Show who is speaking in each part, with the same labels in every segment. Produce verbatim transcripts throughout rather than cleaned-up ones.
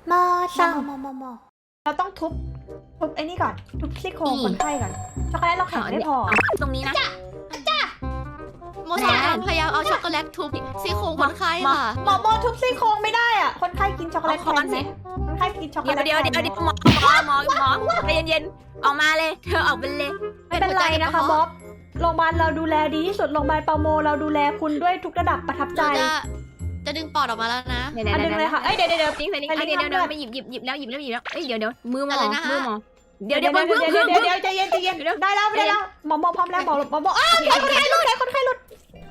Speaker 1: มอส
Speaker 2: มอมอมอมอเราต้องทุบทุบไอ้นี่ก่อนทุบซี่โครงคนไข้ก่อนช็อกโกแลตเราแข็งไม่พอ
Speaker 3: ตรงนี้นะ
Speaker 1: โมสพยายามเอาช็อกโกแลตทุบซี่โครงคนไข้ค่ะ
Speaker 2: หมอโมทุบซี่โครงไม่ได้อ่ะคนไข้กินช็อกโกแลตแทนไหมคนไข้กินช็อกโก
Speaker 3: เดี๋ยว
Speaker 2: แลต
Speaker 3: เดี๋ยว
Speaker 2: แท
Speaker 3: เดี๋ยวน
Speaker 2: ไหม
Speaker 3: เดี๋ยวหมอหมอหมอหมอหมอใจเย็นๆออกมาเลยเธอออกไปเลย
Speaker 2: ไม่เป็นไรนะคะบ๊อบโรงพยาบาลเราดูแลดีที่สุดโรงพยาบาลเปาโมเราดูแลคุณด้วยทุกระดับประทับใจ
Speaker 1: จะจะดึงปอดออกมาแล้วนะ
Speaker 3: เดี๋ยว
Speaker 2: อัน
Speaker 3: เดี๋ยว
Speaker 2: นึง
Speaker 3: เดี๋
Speaker 2: เลย
Speaker 3: วย
Speaker 2: ค่ะเอ้ยเดี๋ยวเดี๋ยวเดี๋ยว
Speaker 3: ลิงใส่ลิงเดี๋ยวเดี๋ยวเดี๋ยวไม่หยิบหยิบหยิบแล้วหยิบแล้วหยิบแล้วเอ้ยเดี๋ยวเดี๋ยวมือหมอมือหมอเดี๋ยวเดี๋ยว
Speaker 2: เดี๋ยว
Speaker 3: เพิ่ง
Speaker 2: เดี๋ยว
Speaker 3: เพิ่ง
Speaker 2: เดี๋ยว
Speaker 3: เพิ่ง
Speaker 2: เดี๋ยวใจเย็นใจเย็นได้แล้วได้แล้วหมอโมพร้อมแล้วหมอหมอหมออ้าวคนไข้หลุดคนไข้หลุด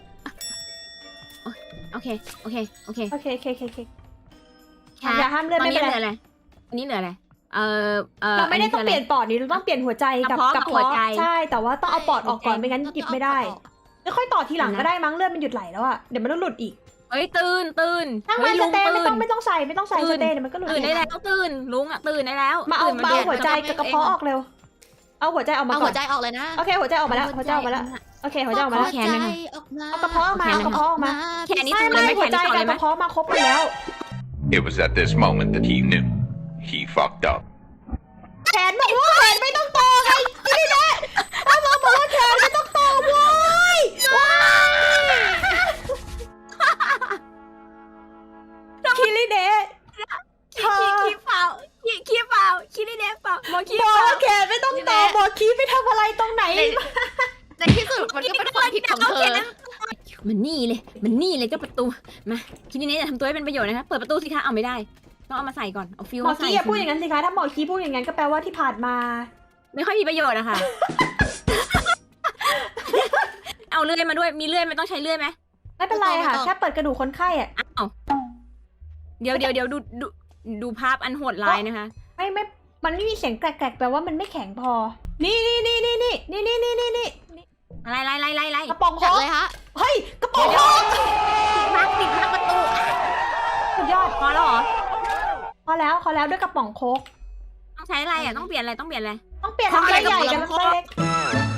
Speaker 3: โอเคโอเคโอเค
Speaker 2: โอเคโอเคโอเคโอเค
Speaker 3: ค่ะ
Speaker 2: อย่าห้ามเลือด
Speaker 3: ตอน
Speaker 2: ไม่
Speaker 3: นี้
Speaker 2: เป็น
Speaker 3: เหลือ
Speaker 2: ไร
Speaker 3: อะไรอันนี้เหลืออะไรเออเออ
Speaker 2: เราไม่ได้ต้องเปลี่ยนปอดนี่เราต้องเปลี่ยนหัวใจกับ
Speaker 3: ก
Speaker 2: ก
Speaker 3: ระ
Speaker 2: ระ
Speaker 3: เพาะกับหัว
Speaker 2: เพาะ
Speaker 3: ใจ
Speaker 2: ใช่แต่ว่าต้องเอาปอดออกก่อนไม่งั้นหยิบไม่ได้แล้วค่อยต่อทีหลังก็ได้มั้งเลือดมันหยุดไหลแล้วอะเดี๋ยวมันต้องหลุดอีก
Speaker 3: เฮ้ยตื่นตื่น
Speaker 2: ทั้ง
Speaker 3: เฮ้
Speaker 2: มั
Speaker 3: ย
Speaker 2: นส
Speaker 3: ลุง
Speaker 2: เตย์
Speaker 3: ตื่
Speaker 2: ไม่ต้อน งไม่ต้องใส่ไม่ต้องใส่สเตย์เดี๋ยวมันก็หลุด
Speaker 3: ตื่นได้แล้วตื่นลุงอ่ะตื่นได้แล้ว
Speaker 2: มาเอา
Speaker 3: ตื่น
Speaker 2: มาเอา
Speaker 3: ดืด
Speaker 2: หัวใจกับกระเพาะออกเร็วเอาหัวใจออกมา
Speaker 1: เอา
Speaker 2: ก่
Speaker 1: หั
Speaker 2: อ
Speaker 1: วน ใจออกเลยนะ
Speaker 2: โอเคหัวใจออกมาแล้วหัวใจออกมาแล้วโอเคหัวใจออกมาแล้ว
Speaker 1: หัวใจออกมา
Speaker 2: เอากระเพาะออกมาเอากระเพาะออกมา
Speaker 3: แค่นี้
Speaker 2: ไม่
Speaker 3: ต่อเลย
Speaker 2: ไม่
Speaker 3: ไหม
Speaker 2: หัว
Speaker 3: แค่
Speaker 2: ใจ
Speaker 3: นี้ต่อ
Speaker 2: กั
Speaker 3: เล
Speaker 2: บ
Speaker 3: ยไหม
Speaker 2: กระเพาะมาครบกันแล้ว
Speaker 4: It was at this moment that he knew. He fucked up.
Speaker 2: แขนบอกว่าแขนไม่ต้องโตไงนี่แหละเอามาบอกว่าแขนไม่ต้องโตเว้ยว้ายคิริเดะเธอ
Speaker 3: ขี้เปล่าขี้ขี้เปล่าขี้ได้แน่เปล่าหมอขี้
Speaker 2: บอ
Speaker 3: เปล่า
Speaker 2: กแขนไม่ต้องโตบอกคีไปทำอะไรตรงไหน
Speaker 1: ในที่สุดมันก็เป็นความผิดของเธอ
Speaker 3: มันนี่เลยมันนี่เลยเจ้าประตูมาคิดนี้จะทำตัวให้เป็นประโยชน์นะคะเปิดประตูสิคะเอาไม่ได้ต้องเอามาใส่ก่อนเอาฟิว
Speaker 2: หมอ
Speaker 3: มาใส่
Speaker 2: คีอย่าพูดอย่างนั้นสิคะถ้าหมอคีพูดอย่างนั้นก็แปลว่าที่ผ่านมา
Speaker 3: ไม่ค่อยมีประโยชน์อะค่ะ เอาเลื่อยมาด้วยมีเลื่อยไม่ต้องใช้เลื่อยไหม
Speaker 2: ไม่เป็นไรค่ะแค่เปิดกระดูกคนไข้อะ
Speaker 3: อ้าวเดี๋ยวเดี๋ยวเดี๋ยวดูดูดูภาพอันโหดร้ายนะคะ
Speaker 2: ไม่ไม่มันไม่มีเสียงแกรกๆแปลว่ามันไม่แข็งพอ นี่นี่นี่นี่นี่นี่นี่นี่นี่นี่
Speaker 3: อะไรอะไรอะไรอะไร
Speaker 2: กระป๋องโค้
Speaker 1: จัด
Speaker 2: ก
Speaker 1: เลยฮะ
Speaker 2: เฮ้ยกระป๋องโค้ก
Speaker 3: พักปิดพักประตู
Speaker 2: สุดยอด
Speaker 3: พอแล้วเหรอ
Speaker 2: พอแล้วพอแล้วด้วยกระป๋องโค้ก
Speaker 3: ต้องใช้อะไรอ่ะต้องเปลี่ยนอะไรต้องเปลี่ยนอะไร
Speaker 2: ต้องเปลี่ยนอะไรใหญ่กับอะไรเล็ก